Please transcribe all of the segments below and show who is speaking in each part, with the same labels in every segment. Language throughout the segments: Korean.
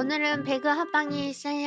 Speaker 1: 오늘은 배그 합방이 있어요.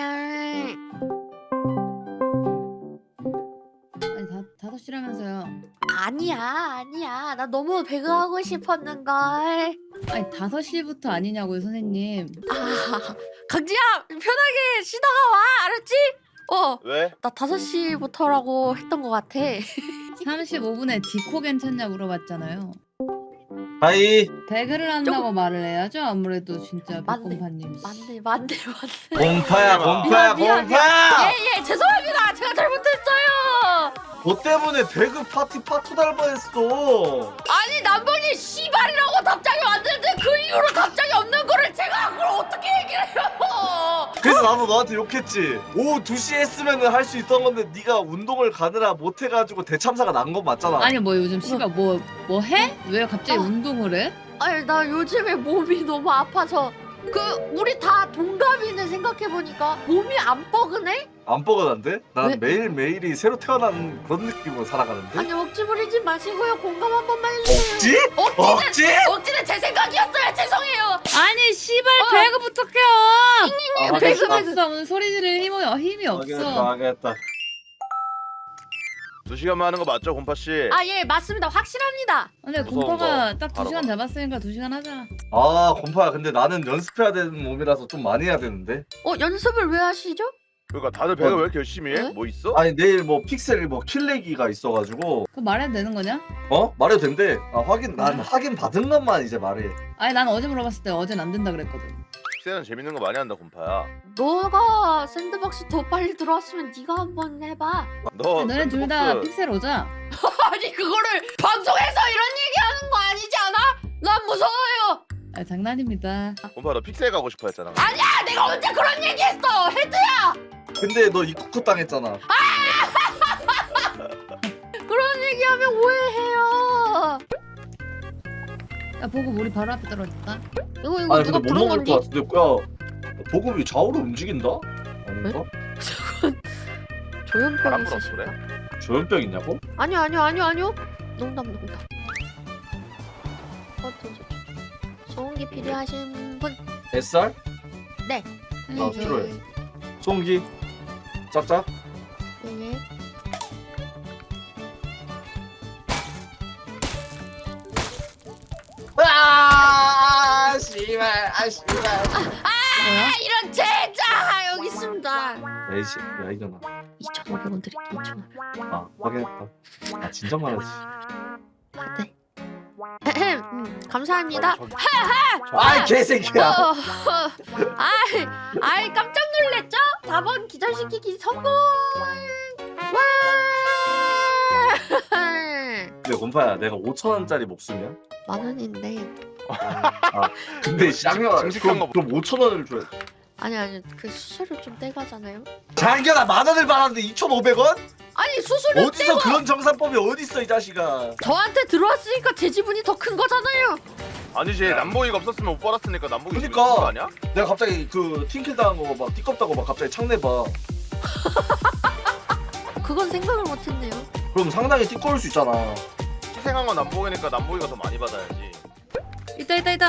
Speaker 2: 아니 5시라면서요.
Speaker 1: 아니야. 나 너무 배그 하고 싶었는걸.
Speaker 2: 아니 5시부터 아니냐고요 선생님.
Speaker 1: 강지야, 편하게 쉬다가 와, 알았지?
Speaker 3: 왜?
Speaker 1: 나 5시부터라고 했던 것 같아.
Speaker 2: 35분에 디코 괜찮냐 물어봤잖아요.
Speaker 4: 하이.
Speaker 2: 배그를 한다고 말을 해야죠. 아무래도 진짜
Speaker 1: 맞네.
Speaker 2: 백곰파님.
Speaker 1: 맞네.
Speaker 4: 곰파야
Speaker 1: 미안.
Speaker 4: 곰파야.
Speaker 1: 예, 죄송합니다. 제가 잘못했어요.
Speaker 4: 너 때문에 배그 파티 파토 달 뻔했어.
Speaker 1: 아니, 남편이 씨발이라고 답장이 왔는데 그 이후로 답장이 없는 거를 제가 그걸 어떻게 얘기를 해요?
Speaker 4: 그래서 나도 너한테 욕했지. 오후 2시에 했으면 할 수 있던 건데 네가 운동을 가느라 못 해가지고 대참사가 난 건 맞잖아.
Speaker 2: 아니 뭐 요즘 씨발 뭐 해? 왜 갑자기 운동을 해?
Speaker 1: 아니, 나 요즘에 몸이 너무 아파서 우리 다 동갑이네. 생각해보니까 몸이 안 뻐근해?
Speaker 4: 안 뻐근한데? 난
Speaker 1: 왜?
Speaker 4: 매일매일이 새로 태어난 그런 느낌으로 살아가는데.
Speaker 1: 아니, 억지 부리지 마시고요. 공감 한 번만 해주세요.
Speaker 4: 억지? 억지?
Speaker 1: 억지는 제 생각이었어요. 죄송해요.
Speaker 2: 아니 씨발 배그부터 켜.
Speaker 4: 아,
Speaker 2: 배그
Speaker 4: 알겠다.
Speaker 2: 없어. 무슨 소리 지를 힘이 없어.
Speaker 4: 알겠다.
Speaker 3: 2시간만 하는 거 맞죠, 곰파씨?
Speaker 1: 아, 예, 맞습니다. 확실합니다.
Speaker 2: 근데
Speaker 3: 무서운
Speaker 2: 곰파가
Speaker 3: 거
Speaker 2: 딱
Speaker 3: 바로
Speaker 2: 2시간
Speaker 3: 가.
Speaker 2: 잡았으니까 2시간 하자.
Speaker 4: 아 곰파야 근데 나는 연습해야 되는 몸이라서 좀 많이 해야 되는데.
Speaker 1: 연습을 왜 하시죠?
Speaker 3: 그러니까 다들 배그 왜 이렇게 열심히 해?
Speaker 1: 네?
Speaker 3: 뭐 있어?
Speaker 4: 아니 내일 뭐 픽셀 뭐 킬레기가 있어가지고.
Speaker 2: 그거 말해도 되는 거냐?
Speaker 4: 말해도 된대. 난 확인 받은 것만 이제 말해.
Speaker 2: 아니 난 어제 물어봤을 때 어젠 안 된다 그랬거든.
Speaker 3: 픽셀은 재밌는 거 많이 한다, 곰파야.
Speaker 1: 너가 샌드박스 더 빨리 들어왔으면 네가 한번 해봐.
Speaker 3: 너
Speaker 2: 너네 둘 다
Speaker 3: 샌드박스
Speaker 2: 픽셀 오자.
Speaker 1: 아니, 그거를 방송에서 이런 얘기하는 거 아니지 않아? 난 무서워요.
Speaker 2: 아, 장난입니다.
Speaker 3: 곰파 너 픽셀 가고 싶어 했잖아.
Speaker 1: 아니야, 내가 언제 그런 얘기했어. 헤드야.
Speaker 4: 근데 너 입국컷 당했잖아.
Speaker 1: 그런 얘기하면 오해해요.
Speaker 2: 야 보고 우리 바로 앞에 떨어졌다.
Speaker 1: 이거
Speaker 4: 아니
Speaker 1: 누가
Speaker 4: 근데 못
Speaker 1: 부른
Speaker 4: 먹을
Speaker 1: 건지?
Speaker 4: 것 같은데. 야 보급이 좌우로 움직인다? 아닌가?
Speaker 1: 조현병
Speaker 3: 바람 불어서
Speaker 1: 있으신가?
Speaker 3: 그래?
Speaker 4: 조현병 있냐고?
Speaker 1: 아니요. 농담. 소음기 필요하신 분?
Speaker 4: SR?
Speaker 1: 네.
Speaker 4: 아, 필요해. 소음기? 짝짝?
Speaker 1: 예.
Speaker 4: 아 씨발
Speaker 2: 뭐야?
Speaker 1: 이런 제자 여기 있습니다.
Speaker 4: 에이씨 야 이년아.
Speaker 1: 2,500원 드릴게요. 2,500원.
Speaker 4: 아 확인했다. 아 진작 말하지.
Speaker 1: 네. 감사합니다.
Speaker 3: 저기-
Speaker 4: 아이 개새끼야.
Speaker 1: 아이 깜짝 놀랬죠? 4번 기절시키기 성공. 와!
Speaker 4: 근데 곰파야 내가 5,000원짜리 목숨이야?
Speaker 1: 10,000원인데.
Speaker 4: 아 근데 쌍년아
Speaker 3: 정직한 거
Speaker 4: 그럼 5,000원을 줘야 돼.
Speaker 1: 아니 그 수수료 좀 떼가잖아요.
Speaker 4: 장견아 10,000원을 받았는데 2,500원?
Speaker 1: 아니, 수수료
Speaker 4: 어디서
Speaker 1: 떼고
Speaker 4: 그런 정산법이 어딨어 이 자식아.
Speaker 1: 저한테 들어왔으니까 제 지분이 더 큰 거잖아요.
Speaker 3: 아니지, 남봉이가 없었으면 못 받았으니까 남봉이
Speaker 4: 그러니까.
Speaker 3: 지금 거 아니야?
Speaker 4: 내가 갑자기 그 팀킬 당한 거 막 띠껍다고 막 갑자기 창내봐.
Speaker 1: 그건 생각을 못했네요.
Speaker 4: 그럼 상당히 띠꺼울 수 있잖아.
Speaker 3: 희생한 건 남봉이니까 남봉이가 더 많이 받아야지.
Speaker 2: 있다.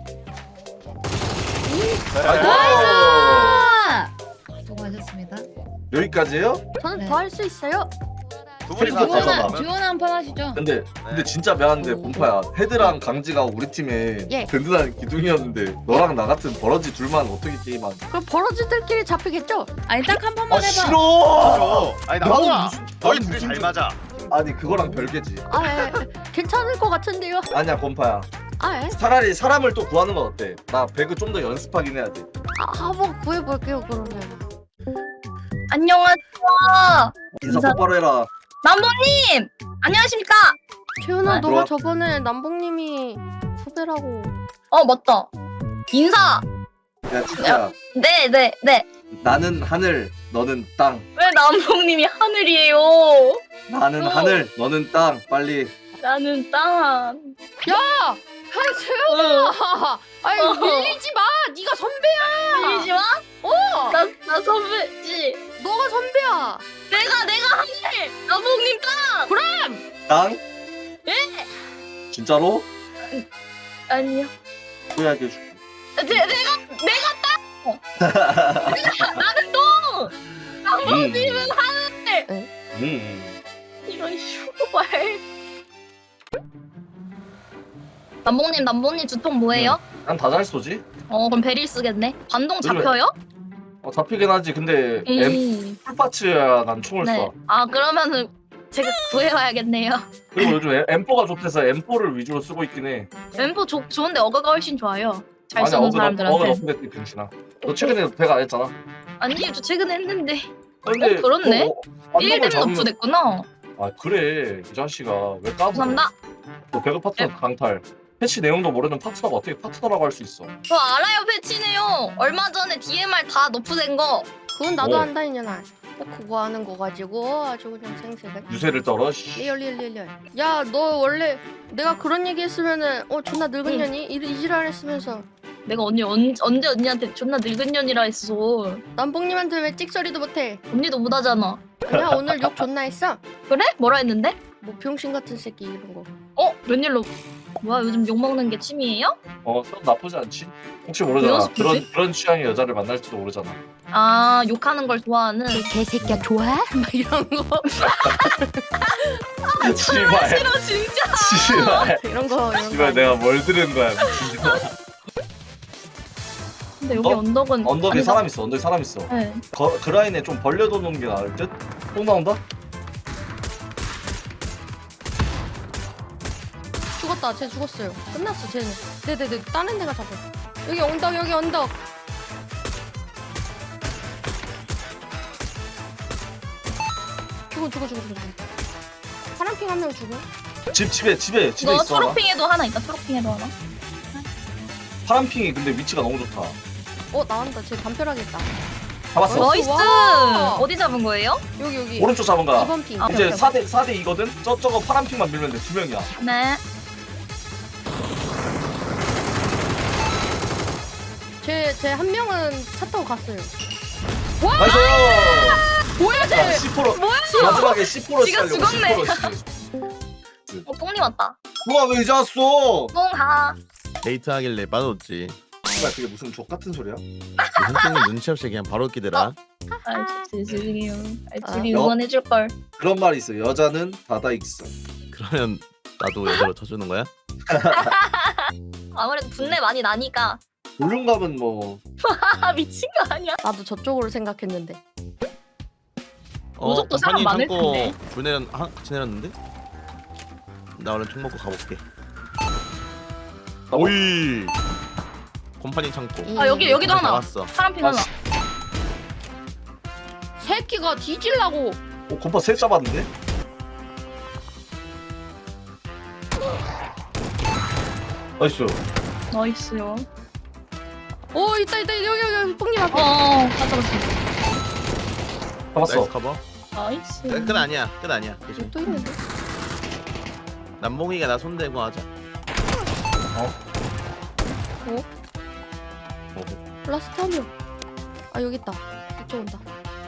Speaker 4: 아이고.
Speaker 2: 아! 수고하셨습니다.
Speaker 4: 여기까지예요?
Speaker 1: 저는
Speaker 2: 네.
Speaker 1: 더 할 수 있어요.
Speaker 3: 두 분이서
Speaker 4: 그리고
Speaker 3: 같이
Speaker 4: 하나,
Speaker 3: 하면
Speaker 2: 주원 한판 하시죠.
Speaker 4: 근데 진짜 미안한데 곰파야 헤드랑 강지가 우리 팀에
Speaker 1: 예.
Speaker 4: 든든한 기둥이었는데 너랑 나 같은 버러지 둘만 어떻게 게임한?
Speaker 1: 그럼 버러지들끼리 잡히겠죠?
Speaker 2: 아니 딱 한 판만
Speaker 4: 아
Speaker 2: 해봐.
Speaker 4: 싫어.
Speaker 3: 아니
Speaker 4: 나는
Speaker 3: 남봉아,
Speaker 4: 무슨-
Speaker 3: 너희
Speaker 4: 나는
Speaker 3: 둘이
Speaker 4: 무슨
Speaker 3: 잘
Speaker 4: 줄-
Speaker 3: 맞아.
Speaker 4: 아니 그거랑 별개지.
Speaker 1: 괜찮을 것 같은데요.
Speaker 4: 아니야 곰파야. 차라리 사람을 또 구하는 건 어때? 나 배그 좀 더 연습하긴 해야 돼.
Speaker 1: 한번 구해볼게요 그러면.
Speaker 5: 안녕하세요.
Speaker 4: 인사
Speaker 5: 인사-
Speaker 4: 똑바로 해라.
Speaker 5: 남보님 안녕하십니까?
Speaker 1: 채윤아,
Speaker 4: 네,
Speaker 1: 너가
Speaker 4: 들어와.
Speaker 1: 저번에 남봉님이 후배라고.
Speaker 5: 맞다. 인사.
Speaker 4: 야 치카야.
Speaker 5: 네.
Speaker 4: 나는 하늘, 너는 땅.
Speaker 5: 왜 남봉님이 하늘이에요?
Speaker 4: 나는 하늘, 너는 땅. 빨리.
Speaker 5: 나는 땅.
Speaker 1: 채윤아, 아니 밀리지 마. 네가 선배야.
Speaker 5: 밀리지 마. 나 선배지.
Speaker 1: 너가 선배야.
Speaker 5: 내가 하늘. 남봉님 땅.
Speaker 4: 땅?
Speaker 5: 예.
Speaker 4: 진짜로?
Speaker 5: 아니요.
Speaker 4: 후회하게 해줄게.
Speaker 5: 내가 나는 또 남봉님은 하늘. 이런 슈발. 남봉님 주통 뭐예요?
Speaker 4: 난 다 잘 쏘지.
Speaker 5: 그럼 베릴 쓰겠네. 반동
Speaker 4: 그래.
Speaker 5: 잡혀요?
Speaker 4: 잡히긴 하지. 근데 풀파츠야 난 총을
Speaker 5: 네.
Speaker 4: 쏴.
Speaker 5: 아 그러면은 제가 구해와야겠네요.
Speaker 4: 그리고 요즘 M4가 좋대서 M4를 위주로 쓰고 있긴 해.
Speaker 5: 엠포 좋은데 어가가 훨씬 좋아요. 잘
Speaker 4: 아니
Speaker 5: 쓰는
Speaker 4: 어그
Speaker 5: 사람들한테.
Speaker 4: 높은 데 병신아. 너 최근에 배가 안 했잖아.
Speaker 5: 아니요, 저 최근에 했는데.
Speaker 4: 근데
Speaker 5: 그렇네.
Speaker 4: 반동을
Speaker 5: 1댐
Speaker 4: 잡으면
Speaker 5: 너프 됐구나.
Speaker 4: 아 그래 이 자식아 왜 까불어?
Speaker 5: 감사합니다.
Speaker 4: 너 배그 파트너 강탈. 패치 내용도 모르는 파트너가 어떻게 파트너라고 할 수 있어?
Speaker 5: 저 알아요, 패치네요. 얼마 전에 DMR 다 너프 된 거.
Speaker 1: 그건 나도
Speaker 4: 오.
Speaker 1: 한다 이년아. 그거 하는 거 가지고 아주 그냥 생색을.
Speaker 4: 유세를 떨어. 씨.
Speaker 1: 리얼. 야, 너 원래 내가 그런 얘기 했으면은 존나 늙은
Speaker 5: 응.
Speaker 1: 년이 이지랄 했으면서
Speaker 5: 내가 언제 언니한테 존나 늙은 년이라 했어.
Speaker 1: 남봉님한테 왜 찍소리도 못해?
Speaker 5: 언니도 못하잖아.
Speaker 1: 야, 오늘 욕 존나 했어.
Speaker 5: 그래? 뭐라 했는데?
Speaker 1: 뭐 병신 같은 새끼 이런 거.
Speaker 5: 웬일로? 뭐야, 요즘 욕먹는 게 취미예요?
Speaker 4: 그건 나쁘지 않지. 혹시 모르잖아.
Speaker 5: 왜 연습하지?
Speaker 4: 그런 취향의 여자를 만날지도 모르잖아.
Speaker 5: 아, 욕하는 걸 좋아하는.
Speaker 1: 개새끼야 좋아? 막 이런 거.
Speaker 4: 씨발.
Speaker 5: 싫어, 진짜.
Speaker 4: 씨발.
Speaker 1: 이런 거.
Speaker 4: 씨발 내가 뭘 들은 거야 미친.
Speaker 5: 근데 여기 언덕은.
Speaker 4: 언덕에
Speaker 5: 아니다.
Speaker 4: 사람 있어. 언덕에 사람 있어.
Speaker 5: 네.
Speaker 4: 그 라인에 좀 벌려둬 놓는 게 나을 듯? 또 나온다?
Speaker 1: 죽었다. 쟤 죽었어요. 끝났어 쟤는. 네네네. 다른 데가 잡아. 여기 언덕 여기 언덕. 죽어. 파란핑 한 명 죽어.
Speaker 4: 집에
Speaker 5: 너
Speaker 4: 있어. 하나.
Speaker 5: 초록핑에도 하나 있다. 초록핑에도 하나.
Speaker 4: 파란핑이 근데 위치가 너무 좋다.
Speaker 1: 나온다. 쟤 담벼락이다.
Speaker 4: 잡았어.
Speaker 5: 나이스.
Speaker 1: 와.
Speaker 5: 어디 잡은 거예요?
Speaker 1: 여기.
Speaker 4: 오른쪽 잡은 거야.
Speaker 1: 2번 핑.
Speaker 5: 아,
Speaker 4: 이제
Speaker 5: 오케이.
Speaker 4: 4대 2거든? 저거 파란핑만 밀면 돼. 2명이야.
Speaker 5: 네.
Speaker 1: 쟤 한 명은 차 타고 갔어요.
Speaker 4: 나이스!
Speaker 1: 뭐야 쟤?
Speaker 4: 10%
Speaker 5: 뭐야?
Speaker 4: 마지막에 10%
Speaker 5: 지가
Speaker 4: 씩
Speaker 5: 죽었네.
Speaker 4: 하려고 10%씩.
Speaker 5: 뽕님 왔다.
Speaker 4: 우와 왜 이제 왔어?
Speaker 5: 뽕하.
Speaker 6: 데이트하길래 빠졌지.
Speaker 4: 씨발 그게 무슨 족 같은 소리야?
Speaker 6: 선생님 눈치 없이 그냥 바로 끼더라.
Speaker 5: 죄송해요.
Speaker 1: 아,
Speaker 5: 둘이
Speaker 4: 여-
Speaker 5: 응원해줄 걸.
Speaker 4: 그런 말이 있어. 여자는 다다익선.
Speaker 6: 그러면 나도 여자로 쳐주는 거야?
Speaker 5: 아무래도 분내 많이 나니까.
Speaker 4: 볼륨감은 뭐
Speaker 5: 미친 거 아니야?
Speaker 1: 나도 저쪽으로 생각했는데.
Speaker 5: 무조건 사람 많을 텐데.
Speaker 6: 같이 내렸는데? 나 얼른 총 먹고 가볼게.
Speaker 4: 나 뭐-
Speaker 6: 오이. 곰팡이 창고.
Speaker 5: 아, 여기도 하나.
Speaker 6: 잡았어.
Speaker 5: 파란핑 하나.
Speaker 4: 씨.
Speaker 1: 새끼가 뒤질라고.
Speaker 4: 곰파 셋 잡았는데? 나이스.
Speaker 5: 나이스요.
Speaker 1: 있다 여기 뽕님 앞에.
Speaker 5: 가져갔어.
Speaker 4: 잡았어.
Speaker 6: 나이스 커버.
Speaker 5: 나이스.
Speaker 6: 끝 아니야. 끝 아니야. 조심.
Speaker 1: 또 있는데.
Speaker 6: 남봉이가 나 손대고 하자.
Speaker 1: 라스트 한 명. 여기 있다. 이쪽 온다.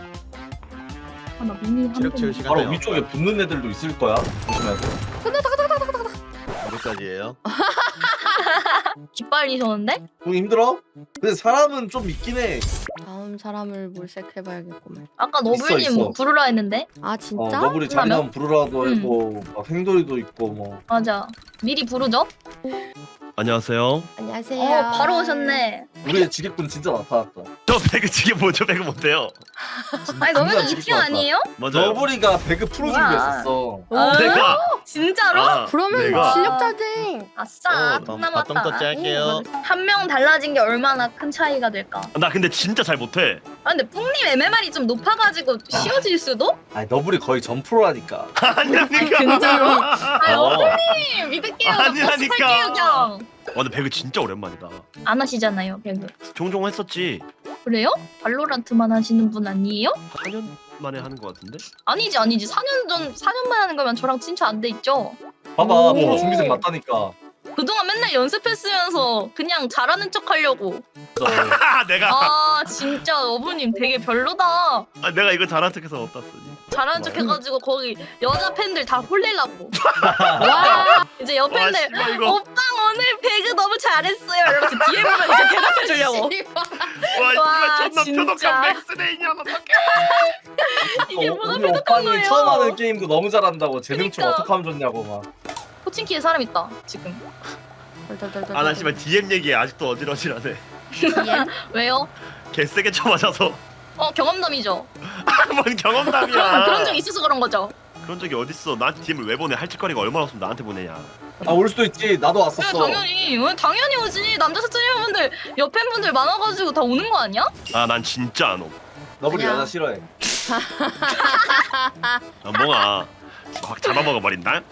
Speaker 5: 나 미니 한
Speaker 6: 체력 채울
Speaker 5: 번.
Speaker 6: 시간
Speaker 4: 바로
Speaker 6: 돼요.
Speaker 4: 위쪽에 붙는 애들도 있을 거야. 조심해야 돼.
Speaker 6: 어디까지예요?
Speaker 5: 기빨리셨는데?
Speaker 4: 좀 힘들어? 근데 사람은 좀 있긴 해.
Speaker 1: 다음 사람을 물색해봐야겠구만.
Speaker 5: 아까
Speaker 4: 있어.
Speaker 5: 너블님 부르라 했는데?
Speaker 1: 아 진짜?
Speaker 4: 너구리 자리나면 부르라도
Speaker 5: 응.
Speaker 4: 했고 막 행돌이도 있고 뭐.
Speaker 5: 맞아. 미리 부르죠?
Speaker 7: 안녕하세요.
Speaker 1: 안녕하세요.
Speaker 5: 바로 오셨네.
Speaker 4: 우리의 지객분 진짜 나타났다.
Speaker 7: 저 배그 지게 뭐죠? 배그 못해요.
Speaker 5: 아니, 너블님
Speaker 4: 진짜
Speaker 5: 2팀
Speaker 4: 지겹다.
Speaker 5: 아니에요?
Speaker 7: 맞아요.
Speaker 4: 너구리가 배그 프로
Speaker 5: 뭐야.
Speaker 4: 준비했었어.
Speaker 7: 내가
Speaker 5: 진짜로?
Speaker 1: 그러면
Speaker 7: 내가-
Speaker 1: 실력자쟁.
Speaker 5: 아싸. 돈
Speaker 6: 바텀
Speaker 5: 남았다.
Speaker 6: 짤게요.
Speaker 5: 한 명 달라진 게 얼마나 큰 차이가 될까?
Speaker 7: 나 근데 진짜 잘 못해.
Speaker 5: 아 근데 뿡님 MMR이 좀 높아가지고 쉬워질 수도?
Speaker 4: 아니 너구리 거의 전프로라니까.
Speaker 7: 아니라니까.
Speaker 5: 진짜로? 아
Speaker 4: 어.
Speaker 5: 너블님 믿을게요.
Speaker 7: 아니라니까.
Speaker 5: 할게요 그냥.
Speaker 7: 근데 배그 진짜 오랜만이다.
Speaker 5: 안 하시잖아요 배그.
Speaker 7: 종종 했었지.
Speaker 5: 그래요? 발로란트만 하시는 분 아니에요?
Speaker 7: 4년 만에 하는 것 같은데.
Speaker 5: 아니지 4년만 하는 거면 저랑 친추 안 돼 있죠?
Speaker 4: 봐봐
Speaker 1: 오.
Speaker 4: 프로 준비생 맞다니까.
Speaker 5: 그동안 맨날 연습했으면서 그냥 잘하는 척 하려고.
Speaker 7: 내가
Speaker 5: 아 진짜 너블님 되게 별로다.
Speaker 7: 내가 이거 잘한 척해서 어디다 쓰니?
Speaker 5: 잘하는 척 해가지고 거기 여자 팬들 다 홀리려고.
Speaker 1: 와.
Speaker 5: 이제 옆
Speaker 7: 와
Speaker 5: 팬들
Speaker 7: 씨발 이거.
Speaker 5: 오빠 오늘 배그 너무 잘했어요 이러면서 뒤에 보면 이제 대답해 주려고.
Speaker 1: 씨발.
Speaker 7: 씨발 존나
Speaker 5: 진짜.
Speaker 7: 표독한 맥스네이냐 어떡해.
Speaker 5: 이게 뭐가
Speaker 4: 우리
Speaker 5: 표독한
Speaker 4: 오빠는
Speaker 5: 거예요?
Speaker 4: 처음 하는 게임도 너무 잘한다고 재능충
Speaker 5: 그러니까.
Speaker 4: 어떻게 하면 좋냐고 막.
Speaker 5: 코칭키에 사람 있다 지금.
Speaker 7: 아나 씨발 DM 얘기에 아직도 어질어질하네.
Speaker 5: 왜요?
Speaker 7: 개세게 쳐맞아서.
Speaker 5: 경험담이죠.
Speaker 7: 뭔 경험담이야.
Speaker 5: 그런 적 있어서 그런 거죠.
Speaker 7: 그런 적이 어딨어. 나한테 DM을 왜 보내. 할 짓거리가 얼마나 없으면 나한테 보내냐.
Speaker 4: 아 올 수도 있지. 나도 왔었어.
Speaker 5: 당연히 오지. 남자 스트리머분들 옆에 분들 많아가지고 다 오는 거 아니야?
Speaker 7: 아 난 진짜 안 옴.
Speaker 4: 너블이
Speaker 1: 아니야.
Speaker 4: 여자 싫어해.
Speaker 7: 뭔가 확 잡아먹어버린다.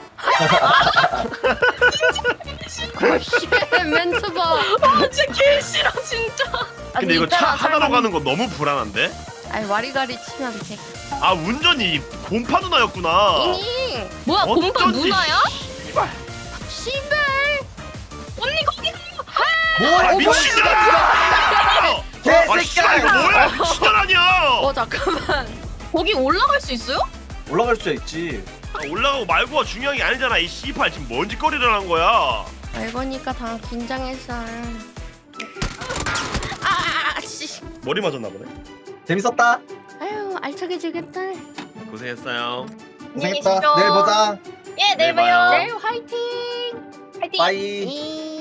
Speaker 1: 멘트 봐.
Speaker 5: 진짜 개 싫어 진짜.
Speaker 7: 근데 이거 차 하나로 가는 거 너무 불안한데?
Speaker 1: 아니 와리가리 치면 돼.
Speaker 7: 아 운전이 곰파 누나였구나.
Speaker 1: 잉.
Speaker 5: 뭐야 곰파
Speaker 7: 어쩐지
Speaker 5: 누나야?
Speaker 7: 씨발.
Speaker 1: 씨발.
Speaker 5: 언니 거기
Speaker 7: 아 미친년아! 아
Speaker 4: 개새끼야!
Speaker 7: 씨발 이거 뭐야 미친년 아니야!
Speaker 1: 잠깐만.
Speaker 5: 거기 올라갈 수 있어요?
Speaker 4: 올라갈 수 있지.
Speaker 7: 아, 올라가고 말고가 중요한 게 아니잖아. 이 씨발 지금 뭔 짓거리를 한 거야.
Speaker 1: 알고니까 다 긴장했어. 씨.
Speaker 7: 머리 맞았나 보네.
Speaker 4: 재밌었다.
Speaker 1: 아유 알차게 즐겼다.
Speaker 7: 고생했어요.
Speaker 5: 고생했다. 내일 보자. 예, 내일
Speaker 7: 내일 봐요.
Speaker 5: 봐요.
Speaker 1: 내일 화이팅.
Speaker 5: 파이팅.
Speaker 4: 빠이.
Speaker 1: 이.